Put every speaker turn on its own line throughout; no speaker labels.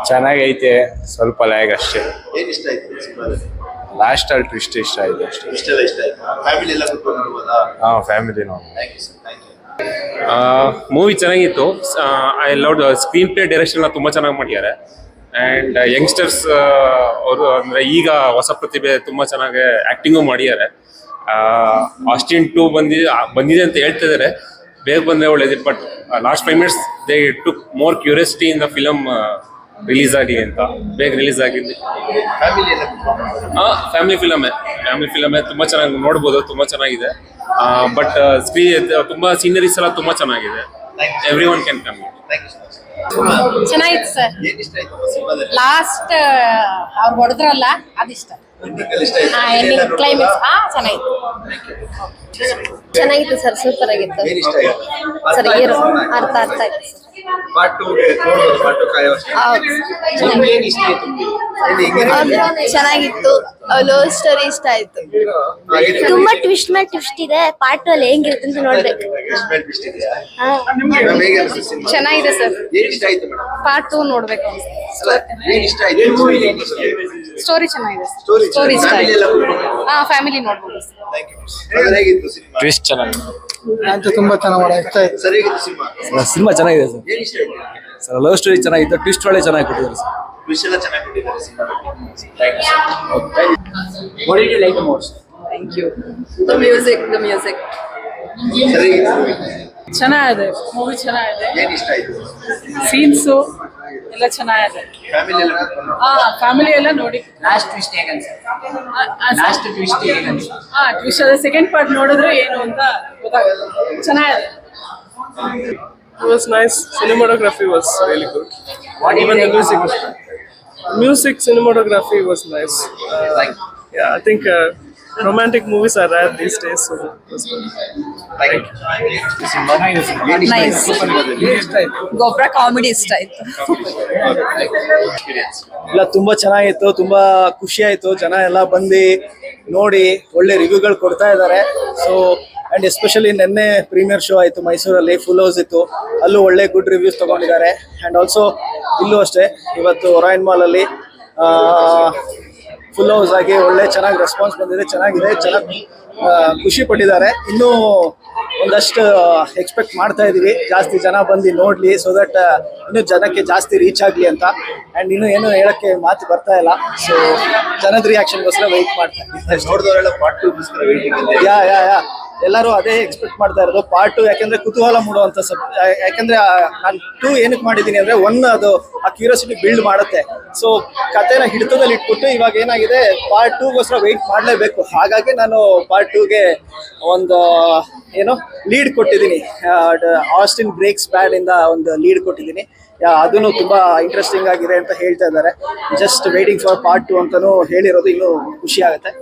ಚೆನ್ನಾಗೈತೆ, ಸ್ವಲ್ಪ ಲ್ಯಾಗ್ ಅಷ್ಟೇ.
ಏನ್ ಇಷ್ಟ ಆಯ್ತು ಸಿನಿಮಾದಲ್ಲಿ?
ಲಾಸ್ಟ್ ಅಲ್ಲಿ ಟ್ವಿಸ್ಟ್ ಇಷ್ಟ ಆಯ್ತು ಅಷ್ಟೇ.
ಇಷ್ಟೆಲ್ಲ ಇಷ್ಟ ಆಯ್ತು. ಫ್ಯಾಮಿಲಿ ಎಲ್ಲ ಕೂತ್ಕೊಂಡು ನೋಡ್ಬೋದಾ?
ಫ್ಯಾಮಿಲಿ ನೋಡಿ.
Thank you sir, thank you.
Movie ಚೆನ್ನಾಗಿತ್ತು. I love screen play direction ತುಂಬ ಚೆನ್ನಾಗಿ ಮಾಡಿದ್ದಾರೆ. ಆ್ಯಂಡ್ ಯಂಗ್ಸ್ಟರ್ಸ್ ಅವರು ಅಂದರೆ ಈಗ ಹೊಸ ಪ್ರತಿಭೆ ತುಂಬ ಚೆನ್ನಾಗಿ ಆ್ಯಕ್ಟಿಂಗು ಮಾಡಿದ್ದಾರೆ. ಆಸ್ಟಿನ್ 2 ಬಂದಿದೆ ಅಂತ ಹೇಳ್ತಿದ್ದಾರೆ, ಬೇಗ ಬಂದರೆ ಒಳ್ಳೇದಿತ್ತು. But last 5 minutes they took more curiosity in the film release ಆಗಿ ಅಂತ. ಬೇಗ ರಿಲೀಸ್ ಆಗಿದೆ.
ಫ್ಯಾಮಿಲಿ ಎಲ್ಲ ಕೂತ್ಕೊಂಡು
ಫ್ಯಾಮಿಲಿ ಫಿಲಮೇ ತುಂಬ ಚೆನ್ನಾಗಿ ನೋಡ್ಬೋದು, ತುಂಬ ಚೆನ್ನಾಗಿದೆ. ಬಟ್ ಸ್ಕ್ರೀನ್ ತುಂಬ ಸೀನರೀಸ್ ಎಲ್ಲ ತುಂಬ ಚೆನ್ನಾಗಿದೆ. Every one can come.
Thank you sir.
ಚೆನ್ನಾಗಿತ್ತು ಸರ್.
ಏನ್ ಇಷ್ಟ ಆಯ್ತು ಸಿನಿಮಾದಲ್ಲಿ?
ಲಾಸ್ಟ್ ಅವ್ರು ಹೊಡೆದ್ರಲ್ಲ ಅದಿಷ್ಟ.
ಎಂಡಿಂಗ್ ಇಷ್ಟ ಆಯ್ತು.
ಎಂಡಿಂಗ್ ಕ್ಲೈಮ್ಯಾಕ್ಸ್ ಚೆನ್ನಾಗಿತ್ತು. ಚೆನ್ನಾಗಿತ್ತು ಸರ್, ಸೂಪರ್ ಆಗಿತ್ತು
ಏನ್ ಇಷ್ಟ ಆಯ್ತು?
ಸರ್. ಅರ್ಥ ಆಯ್ತು ಸರ್.
ಪಾರ್ಟ್ 2 ನೋಡ್ಬೋದು, ಪಾರ್ಟ್ 2 ಕಾಯೋಷ್ಟೇ. ನಿಮ್ಗೆ ಏನ್ ಇಷ್ಟ ಆಯ್ತು?
ಚೆನ್ನಾಗಿತ್ತು. ಲವ್ ಸ್ಟೋರಿ ಇಷ್ಟ ಆಯ್ತು. ತುಂಬಾ ಟ್ವಿಸ್ಟ್ ಮೇಲೆ ಟ್ವಿಸ್ಟ್ ಇದೆ. ಪಾರ್ಟ್ ಅಲ್ಲಿ ಹೆಂಗಿರುತ್ತೆ ಅಂತ ನೋಡ್ಬೇಕು.
ಇಷ್ಟ ಇದೆಯಾ? ಮೇಡಮ್ ಹೇಗೆ ಅನಿಸ್ತು ಸಿನಿಮಾ?
ಚೆನ್ನಾಗಿದೆ ಸರ್.
ಏನ್ ಇಷ್ಟ ಆಯ್ತು ಮೇಡಮ್?
ಪಾರ್ಟ್ 2 ನೋಡ್ಬೇಕು.
ಅಲ್ಲ, ಏನ್ ಇಷ್ಟ ಆಯ್ತು?
ಸ್ಟೋರಿ ಚೆನ್ನಾಗಿದೆ.
ಸ್ಟೋರಿ
ಇಷ್ಟ
ಫ್ಯಾಮಿಲಿ ಎಲ್ಲ
ಆಯ್ತು.
ಕೂತ್ಕೊಂಡು
ಫ್ಯಾಮಿಲಿ ನೋಡ್ಬೋದು.
Thank you. ಸರ್ ಹೇಗಿತ್ತು ಸಿನಿಮಾ?
ಟ್ವಿಸ್ಟ್ ಚೆನ್ನಾಗಿದೆ.
ಅಂತ ತುಂಬಾ ಚೆನ್ನಾಗಿ ಇಷ್ಟ ಆಯ್ತು.
ಸರ್ ಹೇಗಿತ್ತು ಸಿನಿಮಾ?
ಸಿನಿಮಾ ಚೆನ್ನಾಗಿದೆ ಸರ್.
ಏನ್ ಇಷ್ಟ ಆಯ್ತು?
ಸರ್ ಲವ್ ಸ್ಟೋರಿ ಚೆನ್ನಾಗಿತ್ತು, ಟ್ವಿಸ್ಟ್ ಒಳ್ಳೆ ಚೆನ್ನಾಗಿ ಕೊಟ್ಟಿದ್ದಾರೆ ಸರ್.
ವಿಷಯ ಎಲ್ಲ ಚೆನ್ನಾಗಿ ಕೊಟ್ಟಿದ್ದಾರೆ ಸಿನಿಮಾದಲ್ಲಿ. Thank you sir.
What did you like the most?
Thank you. The music.
Sir ಹೇಗಿತ್ತು movie?
ಚೆನ್ನಾಗಿದೆ ಮೂವಿ, ಚೆನ್ನಾಗಿದೆ.
ಏನ್ ಇಷ್ಟ ಆಯ್ತು?
ಸೀನ್ಸು ಎಲ್ಲ ಚೆನ್ನಾಗಿದೆ.
ಫ್ಯಾಮಿಲಿ ಎಲ್ಲ ಕೂತ್ಕೊಂಡು
ಫ್ಯಾಮಿಲಿ ಎಲ್ಲ ನೋಡಿ.
ಲಾಸ್ಟ್ ಟ್ವಿಸ್ಟ್ ಹೇಗೆ
ಟ್ವಿಸ್ಟ್ ಅದ ಸೆಕೆಂಡ್ ಪಾರ್ಟ್ ನೋಡಿದ್ರೆ ಏನು ಅಂತ ಗೊತ್ತಾಗುತ್ತೆ. ಚೆನ್ನಾಗಿದೆ.
It was nice. Cinematography was really good. Even the music cinematography was nice. Yeah, I think romantic movies are rare these days, so it was good.
Nice. ಗೊಬ್ಬರ comedy ಇಷ್ಟ ಆಯ್ತು.
ಇಲ್ಲ ತುಂಬಾ ಚೆನ್ನಾಗಿತ್ತು, ತುಂಬಾ ಖುಷಿ ಆಯ್ತು. ಜನ ಎಲ್ಲ ಬಂದು ನೋಡಿ ಒಳ್ಳೆ ರಿವ್ಯೂಗಳು ಕೊಡ್ತಾ ಇದ್ದಾರೆ. ಸೊ ಆ್ಯಂಡ್ ಎಸ್ಪೆಷಲಿ ನಿನ್ನೆ ಪ್ರೀಮಿಯರ್ ಶೋ ಆಯಿತು ಮೈಸೂರಲ್ಲಿ, ಫುಲ್ ಹೌಸ್ ಇತ್ತು. ಅಲ್ಲೂ ಒಳ್ಳೆ ಗುಡ್ ರಿವ್ಯೂಸ್ ತೊಗೊಂಡಿದ್ದಾರೆ. ಆ್ಯಂಡ್ ಆಲ್ಸೋ ಇಲ್ಲೂ ಅಷ್ಟೇ, ಇವತ್ತು ಒರಾಯನ್ ಮಾಲಲ್ಲಿ ಫುಲ್ ಹೌಸ್ ಆಗಿ ಒಳ್ಳೆ ಚೆನ್ನಾಗಿ ರೆಸ್ಪಾನ್ಸ್ ಬಂದಿದೆ. ಚೆನ್ನಾಗಿದೆ, ಚೆನ್ನಾಗಿ ಖುಷಿ ಪಟ್ಟಿದ್ದಾರೆ. ಇನ್ನೂ ಒಂದಷ್ಟು ಎಕ್ಸ್ಪೆಕ್ಟ್ ಮಾಡ್ತಾ ಇದ್ದೀವಿ, ಜಾಸ್ತಿ ಜನ ಬಂದು ನೋಡಲಿ, ಸೊ ದಟ್ ಇನ್ನೂ ಜನಕ್ಕೆ ಜಾಸ್ತಿ ರೀಚ್ ಆಗಲಿ ಅಂತ. ಆ್ಯಂಡ್ ಇನ್ನೂ ಏನು ಹೇಳೋಕ್ಕೆ ಮಾತು ಬರ್ತಾ ಇಲ್ಲ. ಸೊ ಜನದ ರಿಯಾಕ್ಷನ್ಗೋಸ್ಕರ ವೆಯ್ಟ್ ಮಾಡ್ತಾ ಇದ್ದೀವಿ.
ನೋಡಿದವರೆಲ್ಲ ಪಾರ್ಟ್ 2 ಗೋಸ್ಕರ ವೇಟಿಂಗ್ ಇದೆ.
ಯಾ ಎಲ್ಲರೂ ಅದೇ ಎಕ್ಸ್ಪೆಕ್ಟ್ ಮಾಡ್ತಾ ಇರೋದು, ಪಾರ್ಟ್ 2. ಯಾಕೆಂದ್ರೆ ಕುತೂಹಲ ಮೂಡುವಂಥ ಯಾಕೆಂದ್ರೆ ನಾನು 2 ಏನಕ್ಕೆ ಮಾಡಿದ್ದೀನಿ ಅಂದರೆ, 1 ಅದು ಆ ಕ್ಯೂರಿಯಾಸಿಟಿ ಬಿಲ್ಡ್ ಮಾಡುತ್ತೆ. ಸೊ ಕಥೆನ ಹಿಡಿತದಲ್ಲಿ ಇಟ್ಬಿಟ್ಟು ಇವಾಗ ಏನಾಗಿದೆ, ಪಾರ್ಟ್ 2ಗೋಸ್ಕರ ವೆಯ್ಟ್ ಮಾಡಲೇಬೇಕು. ಹಾಗಾಗಿ ನಾನು ಪಾರ್ಟ್ 2ಗೆ ಒಂದು ಲೀಡ್ ಕೊಟ್ಟಿದ್ದೀನಿ. ಆಸ್ಟಿನ್ ಬ್ರೇಕ್ಸ್ ಬ್ಯಾಡ್ ಇಂದ ಒಂದು ಲೀಡ್ ಕೊಟ್ಟಿದ್ದೀನಿ. ಅದನ್ನು ತುಂಬಾ ಇಂಟ್ರೆಸ್ಟಿಂಗ್ ಆಗಿದೆ ಅಂತ ಹೇಳ್ತಾ ಇದ್ದಾರೆ. ಜಸ್ಟ್ ವೇಟಿಂಗ್ ಫಾರ್ ಪಾರ್ಟ್ 2 ಅಂತಾನೂ ಹೇಳಿರೋದು. ಇನ್ನೂ ಖುಷಿ ಆಗುತ್ತೆ.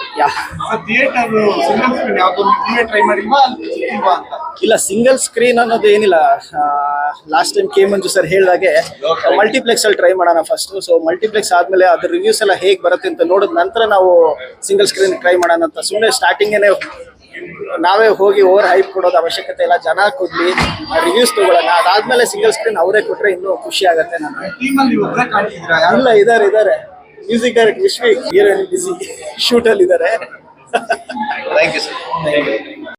ಇಲ್ಲ, ಸಿಂಗಲ್ ಸ್ಕ್ರೀನ್ ಅನ್ನೋದು ಏನಿಲ್ಲ. Last time K Manju sir ಹೇಳಿದಾಗೆ ಮಲ್ಟಿಪ್ಲೆಕ್ಸ್ ಅಲ್ಲಿ ಟ್ರೈ ಮಾಡೋಣ ಫಸ್ಟ್. ಸೊ ಮಲ್ಟಿಪ್ಲೆಕ್ಸ್ ಆದ್ಮೇಲೆ ಅದ್ರ ರಿವ್ಯೂಸ್ ಎಲ್ಲ ಹೇಗೆ ಬರುತ್ತೆ ಅಂತ ನೋಡಿದ ನಂತರ ನಾವು ಸಿಂಗಲ್ ಸ್ಕ್ರೀನ್ ಟ್ರೈ ಮಾಡೋಣ ಅಂತ. ಸುಮ್ಮನೆ ಸ್ಟಾರ್ಟಿಂಗೇನೆ ನಾವೇ ಹೋಗಿ ಓವರ್ ಹೈಪ್ ಕೊಡೋದು ಅವಶ್ಯಕತೆ ಇಲ್ಲ. ಜನ ಕೊಡ್ಲಿ, ರಿವ್ಯೂಸ್ ತಗೊಳ್ಳೋಣ. ಅದಾದ್ಮೇಲೆ ಸಿಂಗಲ್ ಸ್ಕ್ರೀನ್ ಅವರೇ ಕೊಟ್ರೆ ಇನ್ನೂ ಖುಷಿ ಆಗುತ್ತೆ. ಇಲ್ಲ, ಇದಾರೆ music direct Vishwi heroine busy shoot ಅಲ್ಲಿ ಇದ್ದಾರೆ.
Thank you sir.